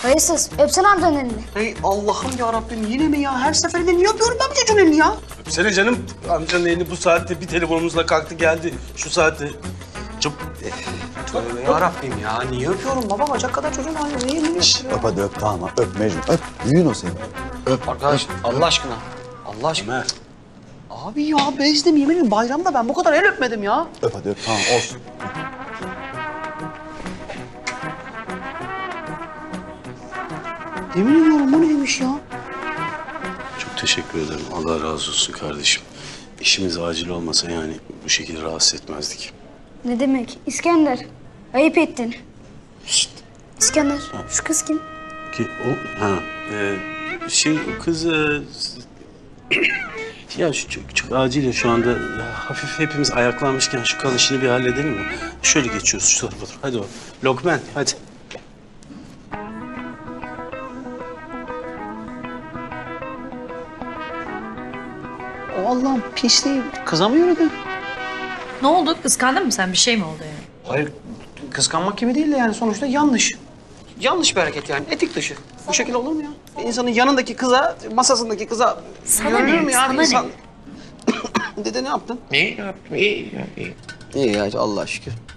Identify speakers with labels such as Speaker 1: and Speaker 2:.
Speaker 1: Hayırsız, öpsene amcanın elini.
Speaker 2: Hey Allah'ım ya Rabbim, yine mi ya? Her seferinde niye öpüyorum ben bu çocuğun elini ya?
Speaker 3: Öpsene canım. Amcanın elini bu saatte bir telefonumuzla kalktı geldi. Şu saatte. Çıp.
Speaker 2: Tövbe ya Rabbim ya. Niye öpüyorum baba? Bacak kadar çocuğun haline niye elini öpüyorum?
Speaker 4: Öp hadi öp tamam öp Mecnun öp. Büyüğün o senin. Öp.
Speaker 2: Arkadaş Allah aşkına. Allah aşkına.
Speaker 3: Ömer.
Speaker 2: Abi ya bezdim yemin ederim bayramda ben bu kadar el öpmedim ya.
Speaker 4: Öp hadi öp tamam olsun.
Speaker 2: Yemin ediyorum bu neymiş ya?
Speaker 3: Çok teşekkür ederim. Allah razı olsun kardeşim. İşimiz acil olmasa yani bu şekilde rahatsız etmezdik.
Speaker 1: Ne demek? İskender, ayıp ettin. Şşt, İskender, şu kız kim?
Speaker 3: Ki o o kız ya çok acil ya şu anda ya, hafif hepimiz ayaklanmışken şu kan işini bir halledelim mi? Şöyle geçiyoruz şu tarafa doğru. Hadi o. Lokman hadi.
Speaker 2: O Allah'ım pisliği kıza mı yürüdü?
Speaker 5: Ne oldu? Kıskandın mı sen? Bir şey mi oldu yani?
Speaker 2: Hayır kıskanmak gibi değil de yani sonuçta yanlış. Yanlış bir hareket yani etik dışı. Bu şekilde olur mu ya? Bir insanın yanındaki kıza, masasındaki kıza
Speaker 5: Sana
Speaker 2: yürünür
Speaker 5: ne?
Speaker 2: mü ya?
Speaker 5: Sana
Speaker 2: İnsan...
Speaker 5: ne?
Speaker 2: Dede ne yaptın?
Speaker 6: İyi yaptım, iyi.
Speaker 2: İyi ya Allah şükür.